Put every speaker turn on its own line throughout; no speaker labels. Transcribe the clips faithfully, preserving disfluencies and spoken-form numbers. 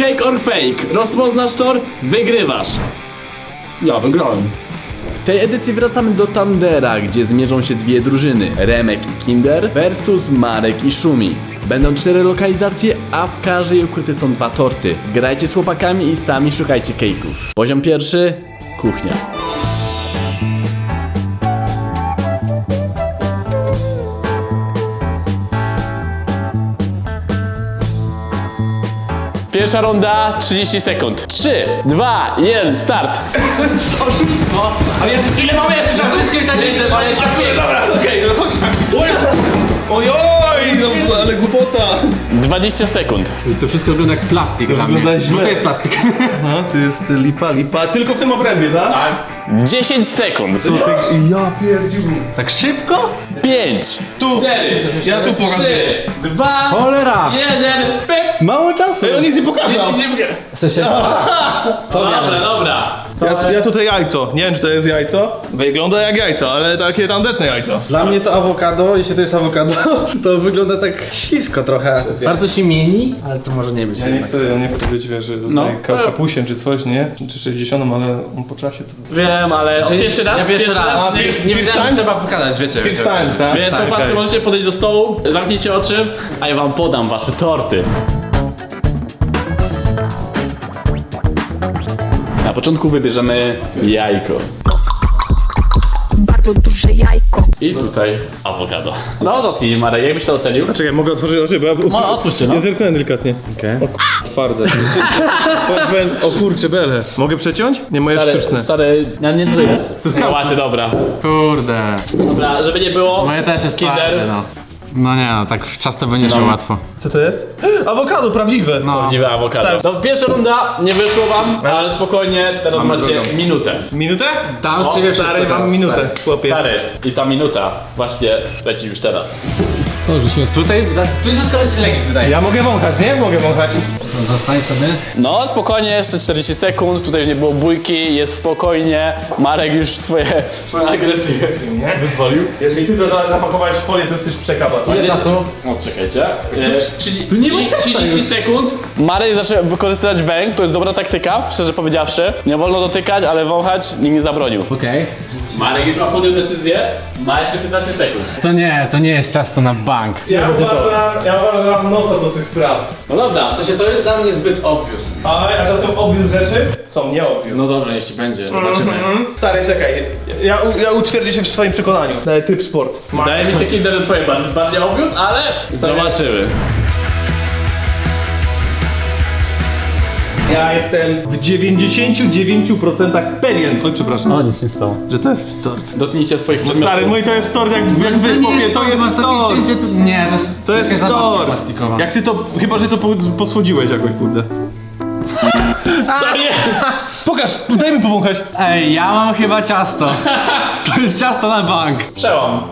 Cake or fake. Rozpoznasz tor, wygrywasz. Ja wygrałem. W tej edycji wracamy do Tandera, gdzie zmierzą się dwie drużyny. Remek i Kinder versus Marek i Szumi. Będą cztery lokalizacje, a w każdej ukryte są dwa torty. Grajcie z chłopakami i sami szukajcie cake'ów. Poziom pierwszy. Kuchnia. Pierwsza runda, trzydzieści sekund. trzy, dwa, jeden, start!
Oszustwo! Ale jeszcze, ile mamy jeszcze czasu? Wszystko i tak jest, ale jeszcze dobra, okej, no chodź tam. Oj, oj, no, ale głupota.
dwadzieścia sekund.
To wszystko wygląda jak plastik
To
dla mnie.
wygląda źle.
Bo to jest plastik.
No, to jest lipa, lipa, tylko w tym obrębie, tak?
Tak. dziesięć sekund.
Co ty, ja pierdziu.
Tak szybko?
pięć,
Tu,
cztery,
ja tu pokazuję.
trzy, dwa,
Cholera!
jeden, pyk!
Mało czasu.
Ej, on nic nie pokazał.
Nic nie mówię.
W sensie...
Dobra, dobra.
Ja, ja tutaj jajco, nie wiem czy to jest jajco. Wygląda jak jajco, ale takie tandetne jajco.
Dla mnie to awokado, jeśli to jest awokado, to wygląda tak ślisko trochę.
Bardzo się mieni, ale to może nie być.
Ja nie chcę, ja nie chcę być, wiesz, tutaj
No.
ka- kapusiem czy coś, nie? Czy sześćdziesiątym, ale on po czasie to...
Wiem, ale pierwszy raz,
Ja pierwszy raz.
nie,
Nie, nie wiedziałem, że trzeba pokazać, wiecie.
First
wiecie.
time, tak?
Więc
tak,
chłopacy,
tak.
możecie podejść do stołu, zamknijcie oczy, a ja wam podam wasze torty. Na początku wybierzemy jajko.
Bardzo duże jajko.
I tutaj awokado. No dotknij, Marek, jakbyś to ocenił?
Czekaj, mogę otworzyć oczy, bo ja...
No, otwórzcie, no.
Ja zerknąłem delikatnie.
Okej.
O k***, twarde. Powiem, o kurcze, bele. Mogę przeciąć? Nie, moje
Stary,
sztuczne.
stary, ja nie tutaj jest. To
jest
no
karta.
właśnie, dobra.
Kurde.
Dobra, żeby nie było.
Moje też jest
Kinder.
twarde, no. No nie no, tak ciasto by nie szło
No.
łatwo.
Co to jest? Awokado, prawdziwe.
No.
Prawdziwe awokado.
Stary.
No, pierwsza runda nie wyszło wam, ale spokojnie, teraz
Mamy
macie
drugą.
minutę.
Minutę?
Dam
O,
z ciebie
stary,
wszystko
mam
teraz,
minutę,
stary.
chłopie.
Stary, i ta minuta właśnie leci już teraz.
Tutaj, tu jest skoro się legit wydaje.
Ja mogę wąchać, nie? Mogę wąchać.
No, zostań sobie.
No spokojnie, jeszcze czterdzieści sekund, tutaj już nie było bójki, jest spokojnie. Marek już swoje, swoją agresję
Nie?
wyzwolił.
Jeżeli ty to zapakowałeś w folię, to jesteś przekaba.
Ile czasu?
No czekajcie. E, trzydzieści trzydzieści sekund. Marek zaczął wykorzystywać węg, to jest dobra taktyka, szczerze powiedziawszy. Nie wolno dotykać, ale wąchać nikt nie zabronił.
Okej.
Marek już ma podjął decyzję, ma jeszcze piętnaście sekund.
To nie, to nie jest ciasto na bank.
Ja uważam, ja uważam, że mam nosa do tych spraw.
No dobra,
W sensie to jest dla mnie zbyt obvious.
A, a czasem obvious rzeczy są nie obvious.
No dobrze, jeśli będzie, zobaczymy.
Stary, czekaj, ja, ja utwierdzę się w swoim przekonaniu. Daję tryb sport.
wydaje mi się, Kinder, że twoje bardzo jest bardziej obvious, ale zobaczymy.
Ja jestem w dziewięćdziesięciu dziewięciu procentach pewien, oj przepraszam,
O, nic nie stało.
że to jest tort.
Dotknijcie swoich
No
przedmiotów.
stary, mój to jest tort, jak, jakby mówię, to jest tort.
Nie,
To jest
zabawka
tort.
plastikowa.
Jak ty to, chyba że to po- posłodziłeś jakoś, kurde.
To nie!
Pokaż, daj mi powąchać.
Ej, ja mam chyba ciasto. To jest ciasto na bank.
Przełam.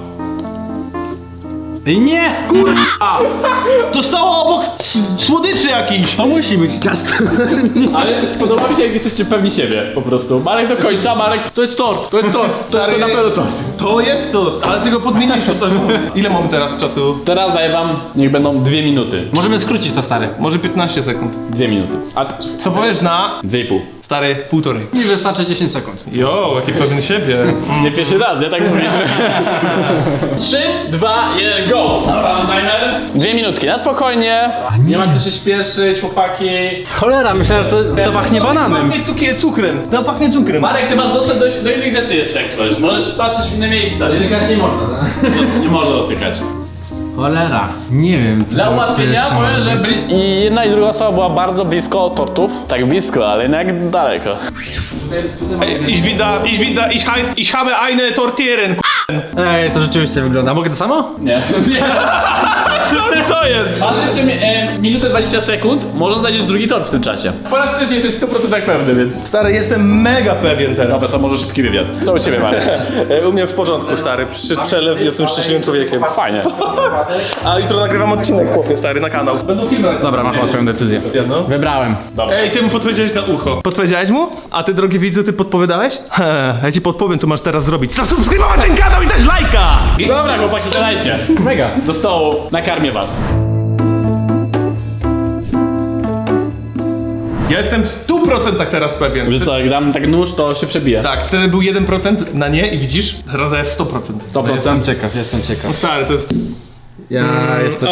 Ej, nie!
To stało obok s- słodyczy jakiś.
To musi być ciasto.
Ale podoba mi się, jak jesteście pewni siebie, po prostu. Marek do końca, Marek, to jest tort, to jest tort, to jest
Stary,
na pewno tort.
To jest tort, ale ty go podmieniłeś ostatnio. Ile mamy teraz czasu?
Teraz daję wam, niech będą dwie minuty.
Możemy skrócić to, stary.
Może piętnaście sekund.
Dwie minuty. A
Co powiesz na...
dwie i pół.
Stary, półtorej.
Mi wystarczy dziesięć sekund.
Jo, jaki pewien siebie.
Nie pierwszy raz, ja tak mówię. Trzy, dwa, jeden, go! Dobra, timer. Dwie minutki, na spokojnie. Nie ma co się śpieszyć, chłopaki.
Cholera, myślałem, że to, to pachnie bananem.
Pachnie cukier, cukrem. No pachnie cukrem.
Marek, ty masz dostęp do, do innych rzeczy jeszcze jak coś. Możesz patrzeć w inne miejsca. Nie,
Dotykać nie można, tak?
nie, nie można dotykać.
Cholera. Nie wiem.
Dla
co
ułatwienia
jeszcze
powiem,
może
że
być.
bli- I jedna i druga osoba była bardzo blisko tortów. Tak blisko, ale jednak daleko.
Ich bin da, ich bin da, ich heiß, ich habe eine Tortieren.
Ej, to rzeczywiście wygląda. Mogę to samo?
Nie. Nie.
Co, co jest?
Masz jeszcze mi, e, minutę dwadzieścia sekund, może znajdziesz drugi tort w tym czasie. Po raz trzeci jesteś sto procent tak pewny, więc...
Stary, jestem mega pewien teraz.
Dobra, to może szybki wywiad. Co u ciebie, Marek?
U mnie w porządku, stary. Przy przelew jestem szczęśliwym człowiekiem.
Fajnie.
A jutro nagrywam odcinek, chłopie, stary, na kanał.
Będą filmy.
Dobra, mam chyba swoją decyzję.
Jedno.
Wybrałem.
Ej, ty mu podpowiedziałeś na ucho. Podpowiedziałeś mu? A ty, drogi widzu, ty podpowiadałeś? He, ja ci podpowiem, co masz teraz zrobić. Zasubskrybować ten kanał i dać lajka!
Dobra, chłopaki, zadajcie.
Mega.
Do stołu, nakarmię was.
Ja jestem w stu procentach teraz pewien.
Wiesz co, jak dam tak nóż, to się przebije.
Tak, wtedy był jeden procent na nie i widzisz, teraz jest sto procent.
sto procent.
Jestem ciekaw, jestem
No
ciekaw.
stary, to jest...
Ja jestem...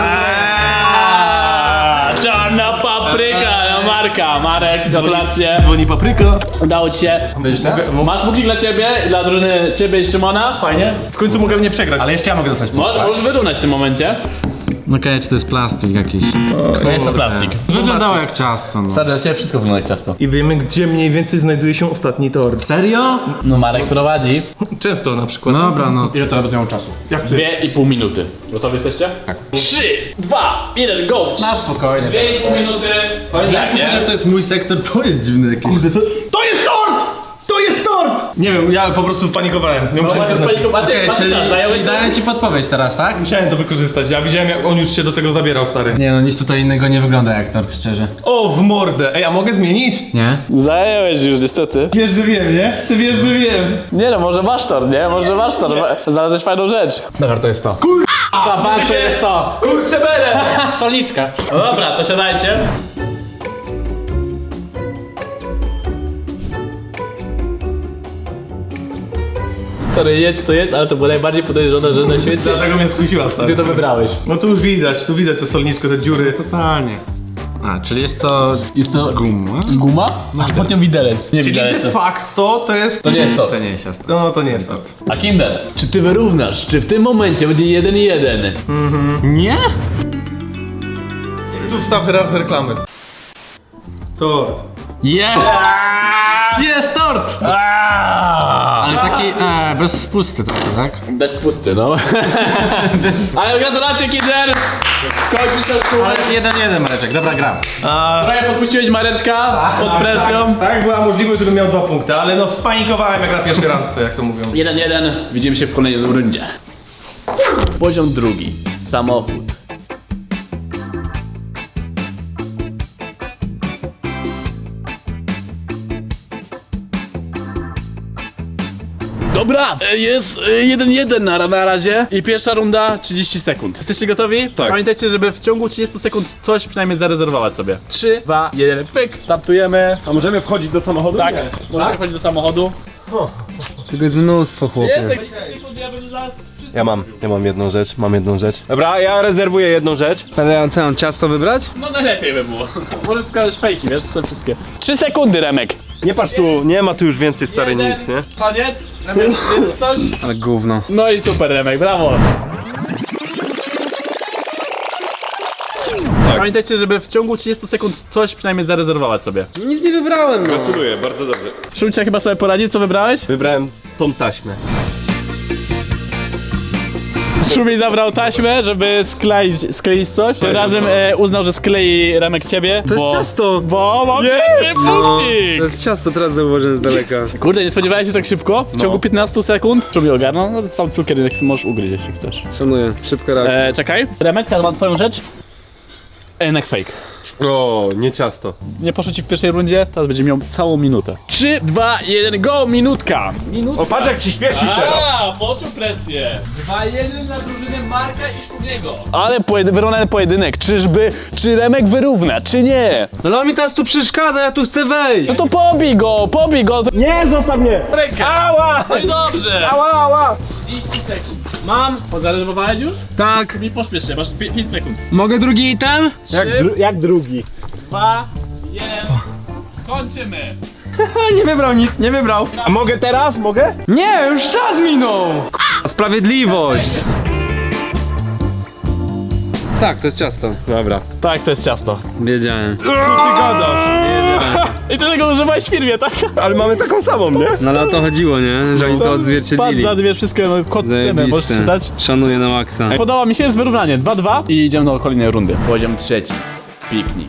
Aaaa, czarna papryka, no Marka, Marek, gratulacje.
Dzwoni papryka.
Udało ci się. Masz bukik dla ciebie, dla drużyny ciebie i Szymona, fajnie.
W końcu mogę mnie przegrać.
Ale jeszcze ja mogę dostać punkt.
Możesz, możesz wyrównać w tym momencie.
Okej, czy to jest plastik jakiś?
To jest to plastik.
Wyglądało jak ciasto, no.
Stary, dla ciebie wszystko wygląda jak ciasto.
I wiemy, gdzie mniej więcej znajduje się ostatni tort.
Serio?
No Marek prowadzi.
Często na przykład.
Dobra, no.
Ile to nawet miało czasu?
Jak ty?
Dwie i pół minuty. Gotowi jesteście? Tak. Trzy, dwa, jeden, go!
Na spokojnie.
Dwie i pół minuty.
Jak to jest mój sektor, to jest dziwny jakiś.
Kurde, to... To jest tort! To jest tort! Nie wiem, ja po prostu panikowałem. Nie
No
musiałem,
macie
to
spalić, macie,
Okej,
macie
czyli,
czas, zająłeś
czyli daję ci podpowiedź teraz, tak?
musiałem to wykorzystać. Ja widziałem, jak on już się do tego zabierał, stary.
Nie no, nic tutaj innego nie wygląda jak tort, szczerze.
O, w mordę! Ej, a mogę zmienić?
Nie?
Zająłeś już niestety.
Wiesz, że wiem, nie? Ty wiesz, że wiem.
Nie no, może masz tort, nie? Może masz tort. Znalazłeś fajną rzecz.
Dobra, to jest to.
Patrz, to jest to.
Kurczę bele!
Soliczka.
No dobra, to siadajcie. Sorry, jedz to jedz, ale to było najbardziej podejrzane, że na świecie
Dlatego mnie skusiła, stary.
ty to wybrałeś.
No tu już widać, tu widać te solniczko, te dziury.
Totalnie. A, czyli jest to...
Jest to
guma?
guma, a pod nią widelec. Nie
Czyli
widelec.
de facto to jest...
To nie jest tort.
To nie jest ciasto.
No, to nie jest tort.
A Kinder, czy ty wyrównasz? Czy w tym momencie będzie jeden jeden?
Nie?
Tu wstaw raz reklamy. Tort.
Jest! Jest tort! Ale taki, e, bez spusty trochę, tak?
Bez pusty, no. Ale gratulacje, Kinder! Kończysz ten kółek.
Ale jeden, jeden Mareczek, dobra gram.
A,
Trochę podpuściłeś Mareczka pod presją.
tak, tak, była możliwość, żebym miał dwa punkty, ale no spanikowałem jak na pierwszej randce, jak to mówią.
jeden jeden. Widzimy się w kolejnej rundzie. Poziom drugi. Samochód. Dobra, e, jest jeden jeden na, na razie i pierwsza runda trzydzieści sekund. Jesteście gotowi? Tak. Pamiętajcie, żeby w ciągu trzydziestu sekund coś przynajmniej zarezerwować sobie. trzy, dwa, jeden, pyk, startujemy.
A możemy wchodzić do samochodu?
Tak, możecie wchodzić do samochodu.
Tego jest mnóstwo, chłopie.
Jest, trzydzieści sekund, ja będę zaraz...
Ja mam, ja mam jedną rzecz, mam jedną rzecz. Dobra, ja rezerwuję jedną rzecz.
Będę co, mam ciasto wybrać?
No najlepiej by było. Możesz wskazać fejki, wiesz, są wszystkie. trzy sekundy, Remek.
Nie patrz tu, nie ma tu już więcej stary nic, nie?
Koniec. Remek, jest coś?
Ale gówno.
No i super, Remek, brawo. Pamiętajcie, żeby w ciągu trzydziestu sekund coś przynajmniej zarezerwować sobie.
Nic nie wybrałem, no.
Gratuluję, bardzo dobrze.
Szumcia chyba sobie poradził, co wybrałeś?
Wybrałem tą taśmę.
Szumi zabrał taśmę, żeby skleić, skleić coś. Tym razem e, uznał, że sklei Remek ciebie.
To jest
bo,
ciasto.
Bo mam
Jest!
trzeci punkcik.
To jest ciasto, teraz zauważyłem z daleka.
Kurde, nie spodziewałeś się tak szybko? W ciągu piętnastu sekund? Szumi ogarnął, no sam cukier możesz ugryźć, jeśli chcesz.
Szanuję, szybka reakcja.
E, czekaj, Remek, teraz mam twoją rzecz. E, Jednak fake.
O, nie ciasto.
Nie poszło ci w pierwszej rundzie, teraz będzie miał całą minutę. trzy, dwa, jeden, go! Minutka! Minutka!
O, patrz jak ci śpieszy teraz.
A, poczuł presję. dwa jeden na drużynę Marka i Szumiego. Ale pojedy, wyrównany pojedynek. Czyżby, czy Remek wyrówna, czy nie?
No ale mi teraz tu przeszkadza, ja tu chcę wejść.
No to pobij go, pobij go!
Nie, zostaw mnie!
Rękę!
Ała!
No i dobrze!
Ała, ała!
trzydzieści sekund. Mam! Pozarezerwowałeś już?
Tak.
Mi pośpiesz się, masz pięć sekund.
Mogę drugi item?
Jak,
trzy,
dru jak drugi?
dwa, jeden. Kończymy!
Nie wybrał nic, nie wybrał.
A mogę teraz? Mogę?
Nie, już czas minął. K***a, sprawiedliwość. Tak, to jest ciasto.
Dobra.
Tak, to jest ciasto.
Wiedziałem.
Co ty gadasz? I ty tego używałeś w firmie, tak?
Ale mamy taką samą, nie?
No ale o to chodziło, nie? Że oni to
Patrz,
odzwierciedlili.
na dwie wszystkie, no kod temy, możesz
Zajebiste.
czytać.
Szanuję na maksa.
Podoba mi się, jest wyrównanie dwa dwa i idziemy do kolejnej rundy. Poziom trzeci. Piknik.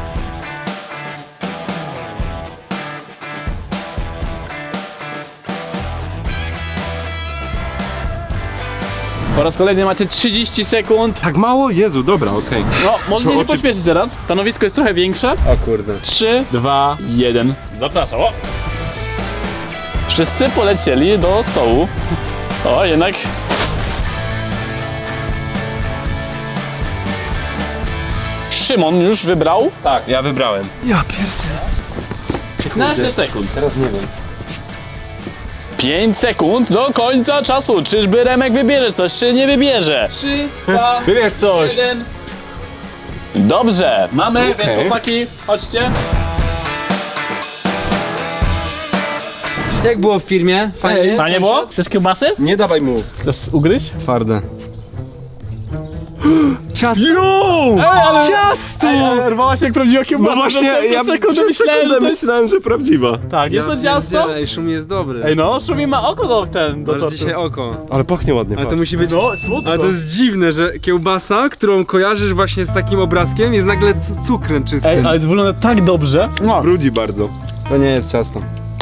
Po raz kolejny macie trzydzieści sekund.
Tak mało? Jezu, dobra, okej.
No, możecie się
oczy-
pośpieszyć teraz. Stanowisko jest trochę większe.
O kurde.
trzy, dwa, jeden. Zapraszam. O! Wszyscy polecieli do stołu. O, jednak... Szymon już wybrał?
Tak, ja wybrałem.
piętnaście sekund.
Teraz nie wiem.
pięć sekund do końca czasu. Czyżby Remek wybierze coś, czy nie wybierze? trzy, dwa,
Wybierz coś.
jeden. Dobrze, mamy, więc chłopaki, chodźcie.
Jak było w firmie? Fajnie?
Fajnie było? Chcesz kiełbasy?
Nie dawaj mu.
Chcesz ugryźć?
Twarde. Ciasto!
Ej, ale...
Ciasto!
Ej, ale rwała się jak prawdziwa kiełbasa.
No właśnie,
Przez
ja
sekundę
przez
myślałem,
sekundę
że to jest...
myślałem, że prawdziwa.
Tak, jest to ciasto?
Ej, szum jest dobry.
Ej no, Szumi ma oko do ten, do
Masz
tortu.
dzisiaj oko.
Ale pachnie ładnie,
Ale to musi być...
No, słodko.
Ale to jest dziwne, że kiełbasa, którą kojarzysz właśnie z takim obrazkiem, jest nagle cu- cukrem czystym.
Ej, ale to wygląda tak dobrze. No.
Brudzi bardzo.
To nie jest ciasto.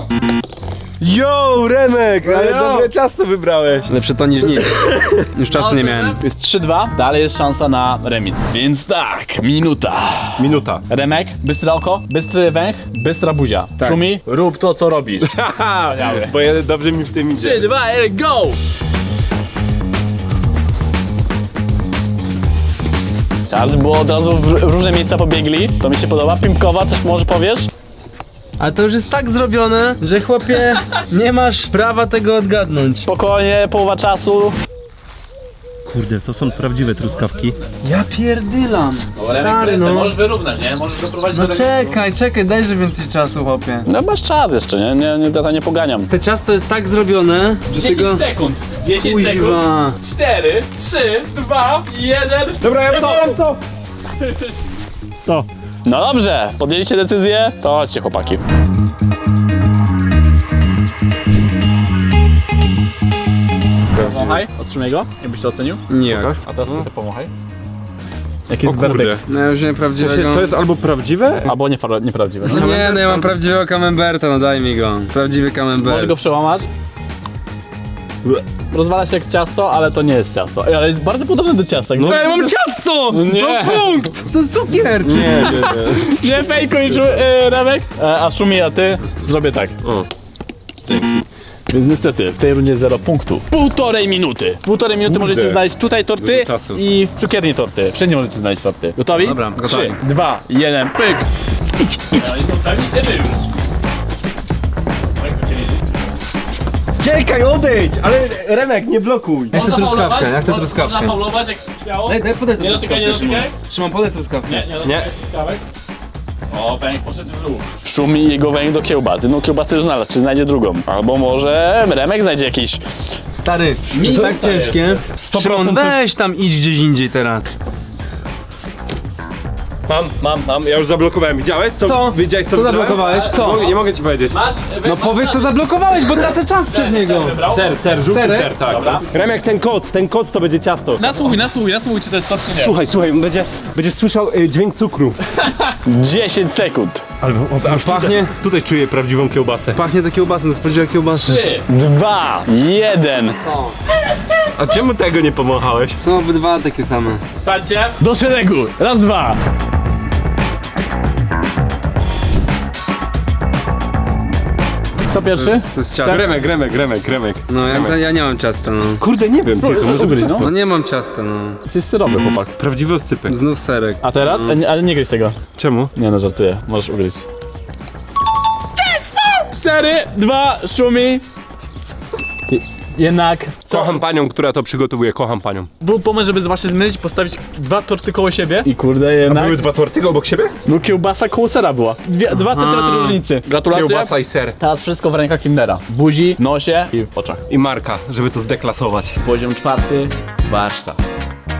Yo, Remek, ale
Yo.
dobre ciasto wybrałeś.
Lepsze to niż nic. Już czasu nie miałem.
Jest trzy dwa, dalej jest szansa na remis. Więc tak, minuta.
Minuta.
Remek, bystre oko, bystry węch, bystra buzia.
Tak.
Szumi, rób to, co robisz.
Haha, bo ja, dobrze mi w tym idzie.
trzy, dwa, jeden, go! Czas, bo od razu w różne miejsca pobiegli. To mi się podoba. Pimpkowa, coś może powiesz?
Ale to już jest tak zrobione, że chłopie, nie masz prawa tego odgadnąć.
Spokojnie, połowa czasu.
Kurde, to są prawdziwe truskawki.
Ja pierdylam. Stary, no.
Możesz wyrównać, nie? Możesz doprowadzić
No
do
czekaj, czekaj, dajże więcej czasu, chłopie.
No masz czas jeszcze, nie? Nie, nie, nie, nie poganiam.
To ciasto jest tak zrobione, że tego...
sekund. dziesięć
Kuźwa.
cztery, trzy, dwa, jeden.
Dobra, ja to, ja to. To.
No dobrze, podjęliście decyzję, to chodźcie chłopaki. Pomachaj, otrzymaj go, jakbyś to ocenił.
Nie.
A teraz ty pomachaj. Jaki jest
O kurde.
berbek?
No już nie prawdziwego.
To jest albo prawdziwe?
Albo niepra- nieprawdziwy. No.
No nie, no ja mam prawdziwego camemberta, no daj mi go. Prawdziwy camembert.
Możesz go przełamać. Rozwala się jak ciasto, ale to nie jest ciasto. Ej, ale jest bardzo podobne do ciasta. No,
Ej, mam ciasto!
nie,
Punkt! To cukier!
Nie, nie, nie.
nie fejkuj, e, Remek. E, a Szumi, a ty zrobię tak.
O.
Więc niestety w tej rundzie zero punktów. Półtorej minuty. Półtorej minuty
Kurde.
możecie znaleźć tutaj torty
Dużo czasu.
i w cukierni torty. Wszędzie możecie znaleźć torty. Gotowi?
Dobra, gotowi.
Trzy, dwa, jeden, pyk. No i zostawiliście wy już.
Czekaj, odejdź! Ale Remek, nie blokuj.
Ja chcę truskawkę, ja chcę
Można
truskawkę.
faulować jak śmiało.
Daj, daj podaj
Nie dotykaj, nie dotykaj.
Szymon, podaj truskawkę.
Nie, nie
Nie.
dotykaj truskawek. O, pęk poszedł w dół. Szumi jego węg do kiełbasy. No kiełbasy już znalazł, czy znajdzie drugą. Albo może Remek znajdzie jakiś...
Stary,
Mi
jest tak
zostaje
ciężkie. Szymon, weź tam idź gdzieś indziej teraz.
Mam, mam, mam. Ja już zablokowałem. Widziałeś? Co?
Co?
Widziałeś, co
Co
wybrałem?
zablokowałeś? Co?
Nie mogę, nie mogę ci powiedzieć.
Masz?
No powiedz co zablokowałeś, bo tracę czas przez niego.
Ser, ser, żółty
Serek?
ser, tak.
Dobra.
Remek, ten koc, ten koc to będzie ciasto.
Nasłuchuj, nasłuchuj, nasłuchuj, czy to jest to, czy nie.
Słuchaj, słuchaj, będzie, będziesz słyszał y, dźwięk cukru.
dziesięć sekund.
Ale aż
pachnie.
Tutaj, tutaj czuję prawdziwą kiełbasę.
Pachnie to kiełbasą, to jest prawdziwa kiełbasa.
trzy, dwa, jeden.
A czemu tego nie pomachałeś?
Są obydwa takie same.
Stańcie. Do szeregu. Raz, dwa. Kto pierwszy?
To jest ciasto.
Remek, Remek, Remek, Remek.
No ja, ja nie mam ciasta, no.
Kurde, nie wiem, tylko może być
no.
No nie mam ciasta, no.
Ty jest syrowy chłopak.
prawdziwy oscypek.
Znów serek.
A teraz? Ale nie- Ale nie gryź tego.
Czemu?
Nie no, żartuję. Możesz ugryźć. Cztery, dwa, Szumi. Jednak. Co?
Kocham panią, która to przygotowuje, kocham panią.
Był pomysł, żeby właśnie zmylić, postawić dwa torty koło siebie. I kurde, jednak.
Były dwa torty obok siebie?
No kiełbasa koło sera była. Dwie, dwa centymetry różnicy. Gratulacje.
Kiełbasa i ser.
Teraz wszystko w rękach Kindera. W buzi, nosie i w oczach.
I marka, żeby to zdeklasować.
Poziom czwarty. Warsztat.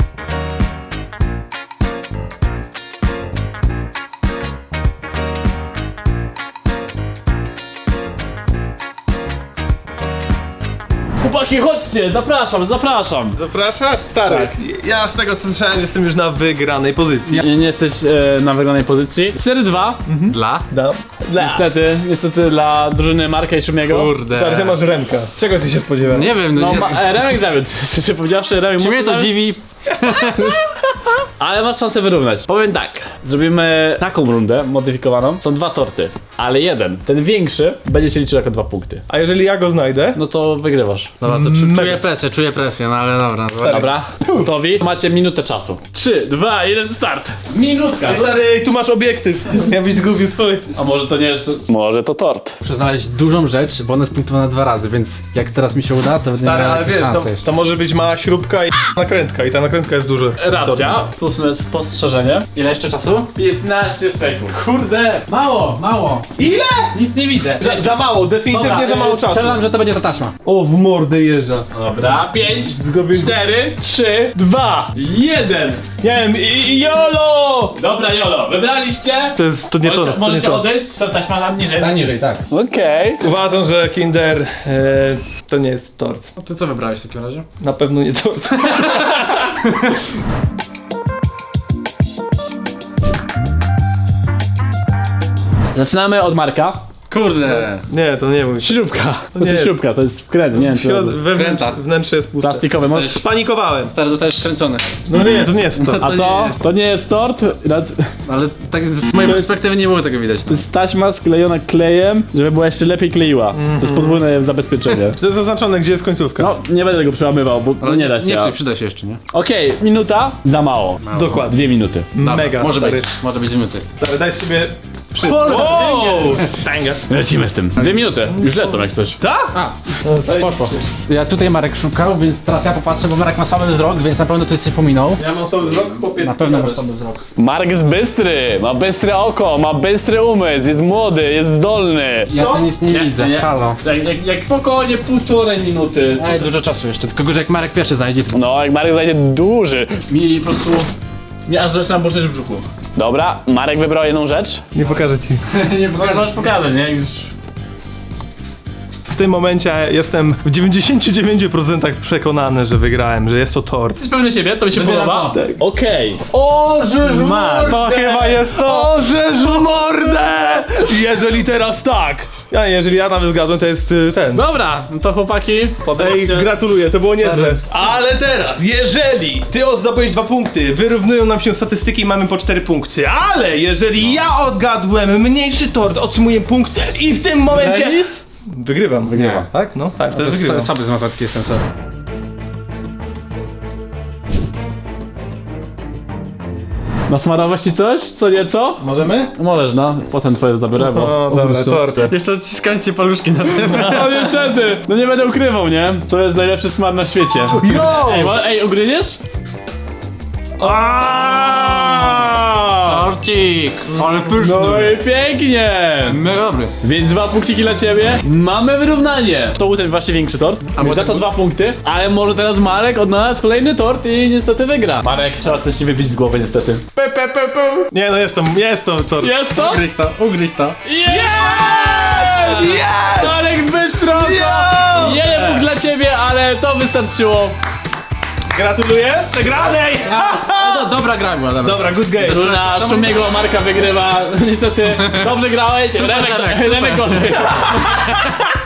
Chłopaki, chodźcie, zapraszam, zapraszam.
Zapraszasz? Stary, ja z tego co słyszałem jestem już na wygranej pozycji.
Nie, nie jesteś e, na wygranej pozycji. cztery dwa.
Dla?
Dla. Niestety, niestety dla drużyny Marka i Szumiego.
Kurde.
Stary, ty masz rękę. Czego ty się spodziewałeś?
Nie wiem, no,
No,
nie...
ma, e, Remek zawiódł. Czy powiedziawszy, Remek
Czy mnie
mocno
to
zawiódł.
dziwi?
Ale masz szansę wyrównać. Powiem tak, zrobimy taką rundę modyfikowaną. Są dwa torty, ale jeden, ten większy, będzie się liczył jako dwa punkty.
A jeżeli ja go znajdę?
No to wygrywasz.
Dobra, to czu, czuję presję, czuję presję, no ale dobra. Zobaczymy.
Dobra, gotowi? Macie minutę czasu. trzy, dwa, jeden, start. Minutka.
Stary, tu masz obiektyw. Ja byś zgubił swój.
A może to nie jest...
Może to tort.
Muszę znaleźć dużą rzecz, bo ona jest punktowana dwa razy, więc jak teraz mi się uda, to będę
Stary,
miał
ale
jakieś
wiesz, to,
szanse jeszcze.
to może być mała śrubka i nakrętka. I ta nakrętka jest duża.
Racja. Słuszne spostrzeżenie.
Ile jeszcze czasu?
piętnaście sekund.
Kurde!
Mało, mało.
Ile?
Nic nie widzę.
Za, za mało, definitywnie
Dobra,
za mało czasu.
Strzelam, że to będzie ta taśma.
O, w mordę jeżdża.
Dobra, pięć,
Zgubił.
cztery, trzy, dwa, jeden.
Nie wiem, i, i jolo!
Dobra, Jolo, wybraliście?
To jest, to nie to,
Możecie,
to nie
możecie
to.
odejść, to taśma na niżej.
Tak niżej, tak.
Okej.
Uważam, że Kinder e, to nie jest tort.
No ty co wybrałeś w takim razie?
Na pewno nie tort.
Zaczynamy od Marka.
Kurde.
Nie, to nie mój.
Śrubka. To
nie
jest
jest.
śrubka, to jest wkręt, nie wiem czy...
Środ- wewnątrz,
Kręta.
wnętrze jest puste.
Plastikowy, możesz...
Spanikowałem.
Teraz zostajesz skręcony.
No nie, to nie jest to.
A to? To nie jest tort, nad-
Ale tak z mojej perspektywy nie było tego widać.
to jest taśma sklejona klejem, żeby była jeszcze lepiej kleiła. To jest podwójne zabezpieczenie.
To jest zaznaczone, gdzie jest końcówka.
No, nie będę tego przełamywał, bo
Ale
nie da się.
Nie,
a-
nie przyda się jeszcze, nie?
Okej, minuta, za mało.
Dokładnie.
Dwie minuty.
Mega.
Może
stary.
być, może być minuty.
Stary, daj sobie przy...
Wow!
Banger.
Lecimy z tym. Dwie minuty, już lecą jak coś.
Tak?
A, poszło. Ja tutaj Marek szukał, więc teraz ja popatrzę, bo Marek ma słaby wzrok, więc na pewno tutaj coś pominął.
Ja mam sobie wzrok, chłopie.
Na pewno masz słaby wzrok.
Mark jest bystry, ma bystre oko, ma bystry umysł, jest młody, jest zdolny.
Ja to nic nie,
Nie,
widzę,
nie.
halo.
Jak, jak, jak spokojnie półtorej minuty.
Ej, dużo czasu jeszcze, tylko gorzej jak Marek pierwszy znajdzie, to...
No, jak Marek znajdzie duży. Mi po prostu... Nie aż zaczynam burzyć w brzuchu. Dobra, Marek wybrał jedną rzecz.
Nie pokażę ci.
Nie możesz pokazać, nie? Już...
W tym momencie jestem w dziewięćdziesięciu dziewięciu procentach przekonany, że wygrałem, że jest to tort.
Jesteś pewny siebie? To mi się
Wybieram
podoba?
to.
Okej.
O, żeż
mordę!
To chyba jest to! O, żeż mordę! Jeżeli teraz tak! Ja, jeżeli ja nawet zgadzam, to jest y, ten.
Dobra, no to chłopaki,
Ej,
podejście.
gratuluję, to było niezłe. Ale teraz, jeżeli ty zdobyłeś dwa punkty, wyrównują nam się statystyki i mamy po cztery punkty. Ale jeżeli ja odgadłem mniejszy tort, otrzymuję punkt i w tym momencie...
Remis?
Wygrywam. Wygrywam. Tak? No, tak,
To
wtedy
jest
wygrywam.
słaby z matematyki jestem, sorry.
Nasmarować ci coś? Co nieco?
Możemy?
Możesz, no. Potem twoje zabiorę, bo...
O, dobra, tort.
Jeszcze odciskałem ci paluszki na tym.
No niestety, no nie będę ukrywał, nie? To jest najlepszy smar na świecie.
Yo!
Ej, mo- ej ugryziesz? Aaaa!
Torcik! Ale pyszny!
No i pięknie!
My dobry.
Więc dwa punkciki dla ciebie. Mamy wyrównanie. To był ten właśnie większy tort. A
może
za to
był-
dwa punkty. Ale może teraz Marek odnalazł kolejny tort i niestety wygra. Marek, trzeba coś nie wybić z głowy niestety. Pe, pe, pe, pe.
Nie, no jest to, jest to tort.
Jest to?
Ugryź to, ugryź to.
Jest! Jest! Marek bystro! Jeden punkt dla ciebie, ale to wystarczyło.
Gratuluję przegranej!
No, dobra gra była, dobra.
Dobra, good game.
Drużyna Szumiego Marka wygrywa. Niestety dobrze grałeś. Remek,
Remek,
Remek
super.
gorzej.